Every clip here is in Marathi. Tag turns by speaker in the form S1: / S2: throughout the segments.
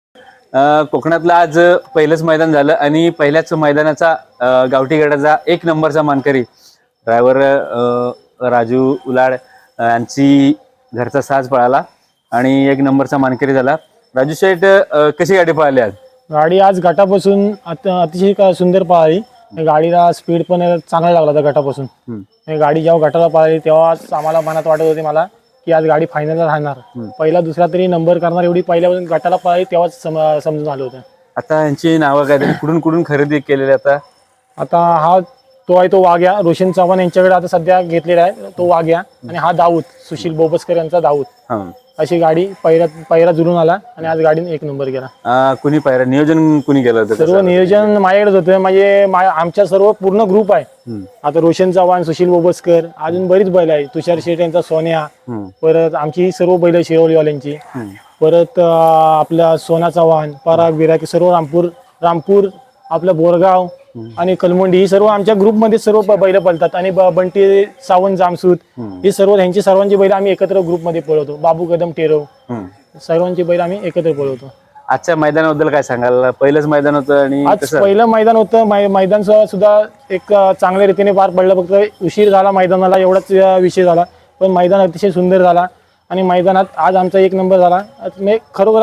S1: कोकणातलं आज पहिलंच मैदान झालं आणि पहिल्याच मैदानाचा गावठी गटाचा 1 नंबरचा मानकरी ड्रायव्हर राजू उलाड यांची घरचा साज पळाला आणि 1 नंबरचा मानकरी झाला. राजू शेठ, कशी गाडी पळाली आज?
S2: गाडी आज घाटापासून अतिशय सुंदर पळाली. गाडीला स्पीड पण चांगला लागला होता घाटापासून. गाडी जेव्हा घाटाला पळाली तेव्हा आम्हाला मनात वाटत होते मला की आज गाडी फायनलला राहणार. पहिला दुसरा तरी नंबर करणार एवढी पहिल्यापासून घाटाला पळाली तेव्हाच समजून आलं होतं.
S1: आता यांची नावं काय तरी कुठून खरेदी केलेली
S2: आता हा तो आहे तो वाघ्या रोशन चव्हाण यांच्याकडे आता सध्या घेतलेला आहे तो वाघ्या, आणि हा दाऊद सुशील बोबसकर यांचा दाऊद. अशी गाडी पहिरा जुळून आला आणि आज गाडीने 1 नंबर केला.
S1: कुणी पहिरा नियोजन कुणी केलं होतं?
S2: सर्व नियोजन माझ्याकडेच होतं. म्हणजे आमच्या सर्व पूर्ण ग्रुप आहे. आता रोशन चव्हाण, सुशील बोबसकर, अजून बरीच बैल आहे. तुषार शेठ यांचा सोन्या, परत आमची ही सर्व बैल शिरवलीवाल्यांची, परत आपला सोना चव्हाण, पराग बिराग, सर्व रामपूर आपलं बोरगाव आणि कलमोंडी ही सर्व आमच्या ग्रुपमध्ये सर्व बैल पळतात. आणि बंटी सावंत जामसूत ही सर्व ह्यांची सर्वांची बैल आम्ही एकत्र ग्रुपमध्ये पळवतो. बाबू कदम टेरो सर्वांची बैल आम्ही एकत्र पळवतो.
S1: आजच्या मैदानाबद्दल काय सांगाल? पहिलंच मैदान होतं आणि
S2: आज पहिलं मैदान होतं. मैदान सुद्धा एक चांगल्या रीतीने पार पडलं. फक्त उशीर झाला मैदानाला एवढाच विषय झाला, पण मैदान अतिशय सुंदर झाला आणि मैदानात आज आमचा 1 नंबर झाला. मी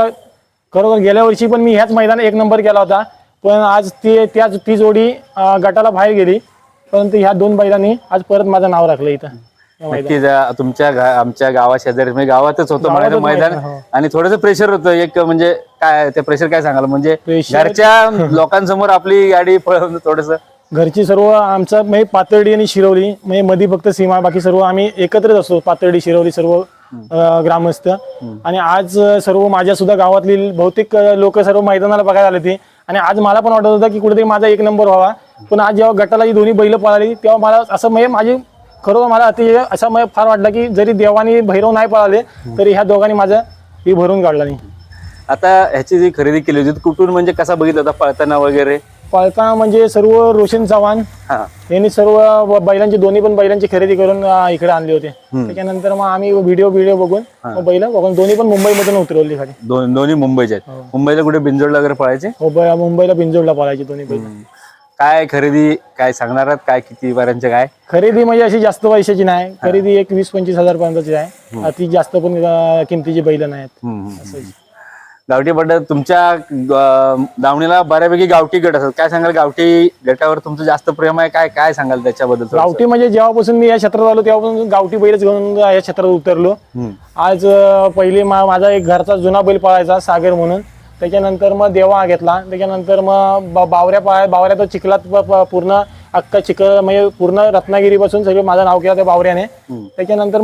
S2: खरोखर गेल्या वर्षी पण मी ह्याच मैदानात 1 नंबर केला होता, पण आज ती जोडी गटाला बाहेर गेली. परंतु ह्या 2 बैलांनी आज परत माझं नाव राखलं इथं.
S1: नक्कीच तुमच्या आमच्या गावा शेजारी म्हणजे गावातच होतं मैदान आणि थोडंसं प्रेशर होतं. एक म्हणजे काय ते प्रेशर काय सांगाल? म्हणजे घरच्या लोकांसमोर आपली गाडी पळवणं थोडंसं.
S2: घरची सर्व आमचं म्हणजे पातर्डी आणि शिरवली म्हणजे मध्ये फक्त सीमा, बाकी सर्व आम्ही एकत्रच असतो. पातर्डी शिरवली सर्व ग्रामस्थ. आणि आज सर्व माझ्या सुद्धा गावातली बहुतेक लोक सर्व मैदानाला बघायला आले ते. आणि आज मला पण वाटत होतं की कुठेतरी माझा 1 नंबर व्हावा, पण आज जेव्हा गटाला ही दोन्ही बैल पळाली तेव्हा मला असं म्हणजे माझी खरोखर मला अतिशय असं म्हणजे फार वाटलं की जरी देवानी भैरव नाही पळाले तरी ह्या दोघांनी माझं ही भरून काढला नाही.
S1: आता ह्याची जी खरेदी केली होती कुठून, म्हणजे कसा बघितला होता पळताना वगैरे?
S2: पळताना म्हणजे सर्व रोशन चव्हाण यांनी सर्व बैलांची दोन्ही पण बैलांची खरेदी करून इकडे आणली होती. त्याच्यानंतर मग आम्ही व्हिडिओ बघून बैल बघून दोन्ही पण मुंबईमधून उतरवली खाली.
S1: दोन्ही मुंबईचे आहेत. मुंबईला कुठे बिंजोडला वगैरे पळायचे?
S2: हो, मुंबईला बिंजोडला पळायची दोन्ही बैल.
S1: काय खरेदी काय सांगणार आहात? काय किती वाऱ्यांचे काय
S2: खरेदी? म्हणजे अशी जास्त पैशाची नाही खरेदी, एक 20-25 हजार पर्यंतची आहे. अति जास्त पण किमतीची बैल नाहीत.
S1: गावठी पद्धत तुमच्या दावणीला बऱ्यापैकी गावठी गट असतात. काय सांगाल? गावठी गटावर तुमचं जास्त प्रेम आहे, काय काय सांगाल त्याच्याबद्दल?
S2: गावठी म्हणजे जेव्हापासून मी या क्षेत्रात आलो तेव्हापासून गावठी बैलच घेऊन या क्षेत्रात उतरलो. आज पहिले माझा एक घरचा जुना बैल पळायचा सागर म्हणून, त्याच्यानंतर मग देवा घेतला, त्याच्यानंतर मग बावऱ्या तो चिखलात पूर्ण अख्खा चिखल म्हणजे पूर्ण रत्नागिरी पासून सगळं माझं नाव केलं त्या बावऱ्याने. त्याच्यानंतर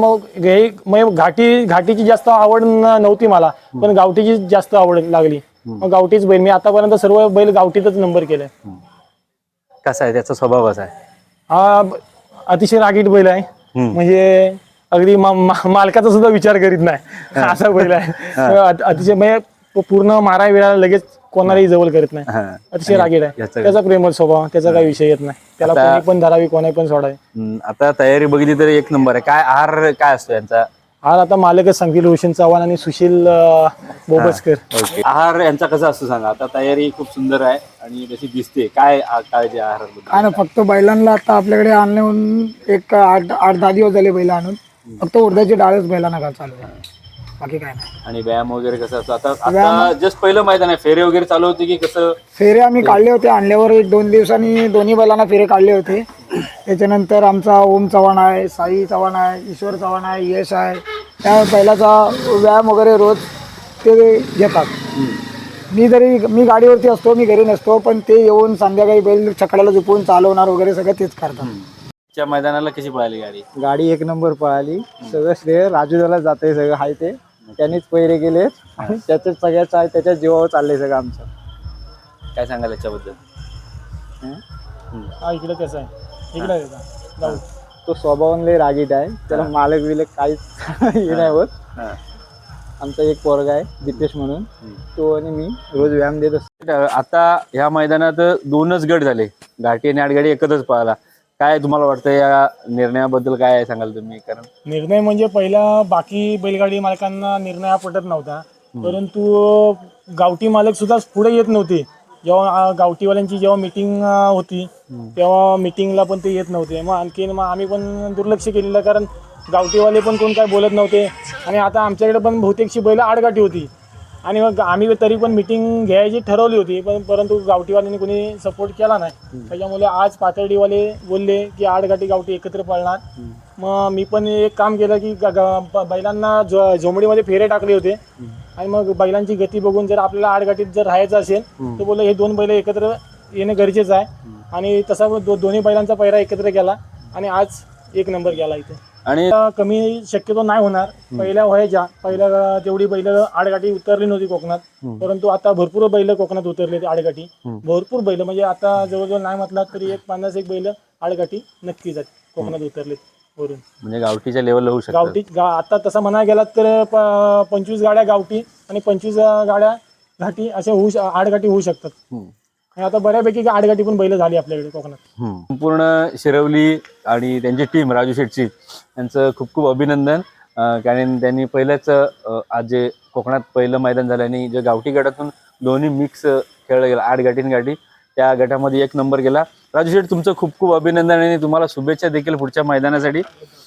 S2: मग घाटीची जास्त आवड नव्हती मला, पण गावठीची जास्त आवड लागली. मग गावठीच बैल मी आतापर्यंत सर्व बैल गावठीतच नंबर केलाय.
S1: कसा आहे त्याचा स्वभाव? कसा आहे?
S2: हा अतिशय रागीट बैल आहे. म्हणजे अगदी मालकाचा सुद्धा विचार करीत नाही असा बैल आहे. अतिशय म्हणजे पूर्ण मारा वेळा लगेच कोणालाही जवळ करत नाही. अतिशय रागीट आहे. त्याचा प्रेमळ स्वभाव, त्याचा काही विषय येत नाही. त्याला कोणी पण धरावी, कोणी पण सोडावी.
S1: आता तयारी बघितली तर 1 नंबर आहे. काय आहार काय असतो यांचा?
S2: आहार आता मालकच सांगतील, रोशन चव्हाण आणि सुशील बोबसकर.
S1: आहार यांचा कसा असतो सांगा? आता तयारी खूप सुंदर आहे आणि जशी दिसते. काय काळजी आहार?
S3: काय ना, फक्त बैलांना आता आपल्याकडे आणून एक 8-10 दिवस झाले बैल आणून. फक्त उडदाची डाळच बैलांना चालू आहे, बाकी काय नाही.
S1: आणि व्यायाम वगैरे कसं असतो? आता जस्ट पहिलं मैदान आहे, फेरे वगैरे चालू होते की कसं?
S3: फेरे आम्ही काढले होते. आणल्यावर 1-2 दिवसांनी दोन्ही बैलांना फेरे काढले होते. त्याच्यानंतर आमचा ओम चव्हाण आहे, साई चव्हाण आहे, ईश्वर चव्हाण आहे, यश आहे, त्या बैलाचा व्यायाम वगैरे रोज ते घेतात. मी गाडीवरती असतो, मी घरी नसतो, पण ते येऊन संध्याकाळी बैल छकड्याला झोपून चालवणार वगैरे सगळं तेच करतात.
S1: त्या मैदानाला कशी पळाली गाडी?
S4: गाडी 1 नंबर पळाली. सगळं श्रेय राजूला जाते. सगळं आहे ते त्यांनीच पहिरे गेले आणि त्याच्याच सगळ्याच आहे, त्याच्या जीवावर चाललंय सगळं आमचं.
S1: काय सांगाल याच्याबद्दल?
S2: इकडे कसं आहे, इकडे
S4: तो स्वभावाने रागीट आहे. त्याला मालक बिलक काहीच हे नाही होत. आमचा एक पोरगा आहे दीपेश म्हणून, तो आणि मी रोज व्यायाम देत असतो.
S1: आता ह्या मैदानात 2च गट झाले, घाटी आणि आडगाडी एकत्रच पळाला. काय तुम्हाला वाटतं या निर्णयाबद्दल? काय सांगाल तुम्ही? कारण
S2: निर्णय म्हणजे पहिला बाकी बैलगाडी मालकांना निर्णय पटत नव्हता, परंतु गावठी मालक सुद्धा पुढे येत नव्हते. जेव्हा गावठीवाल्यांची जेव्हा मिटिंग होती तेव्हा मिटिंगला पण ते येत नव्हते. मग आणखीन मग आम्ही पण दुर्लक्ष केलेलं, कारण गावठीवाले पण कोण काय बोलत नव्हते. आणि आता आमच्याकडे पण बहुतेकशी बैल आडगाठी होती आणि मग आम्ही तरी पण मिटिंग घ्यायची ठरवली होती, परंतु गावठीवाल्यांनी कोणी सपोर्ट केला नाही. त्याच्यामुळे आज पातळीवाले बोलले की आडगाठी गावठी एकत्र पळणार. मग मी पण एक काम केलं की बैलांना झोमडीमध्ये फेरे टाकले होते आणि मग बैलांची गती बघून जर आपल्याला आडगाठीत जर राहायचं असेल तर बोललं हे 2 बैल एकत्र येणं गरजेचं आहे. आणि तसा दोन्ही बैलांचा पैरा एकत्र केला आणि आज 1 नंबर केला इथे.
S1: आणि
S2: कमी शक्यतो नाही होणार. पहिल्या तेवढी बैल आडगाठी उतरली नव्हती कोकणात, परंतु आता भरपूर बैल कोकणात उतरले आडगाठी. भरपूर बैल म्हणजे आता जवळजवळ नाही म्हटलं तरी 50-1 बैल आडगाठी नक्कीच आहेत कोकणात उतरले वरून.
S1: म्हणजे गावठीच्या लेवलला होऊ शकतं.
S2: आता तसं म्हणायला गेलात तर 25 गाड्या गावठी आणि 25 गाड्या घाटी अशा आडगाठी होऊ शकतात. आणि आता बऱ्यापैकी आडगाठी पण बैल झाली आपल्याकडे कोकणात.
S1: संपूर्ण शिरवली आणि त्यांची टीम राजू शेटची यांचं खूप खूप अभिनंदन. कारण त्यांनी पहिल्याच आज जे कोकणात पहिलं मैदान झालं आणि जे गावठी गटातून दोन्ही मिक्स खेळलं गेलं 8 गाठी गाठी, त्या गटामध्ये 1 नंबर केला. राजू शेट तुमचं खूप खूप अभिनंदन आणि तुम्हाला शुभेच्छा देखील पुढच्या मैदानासाठी.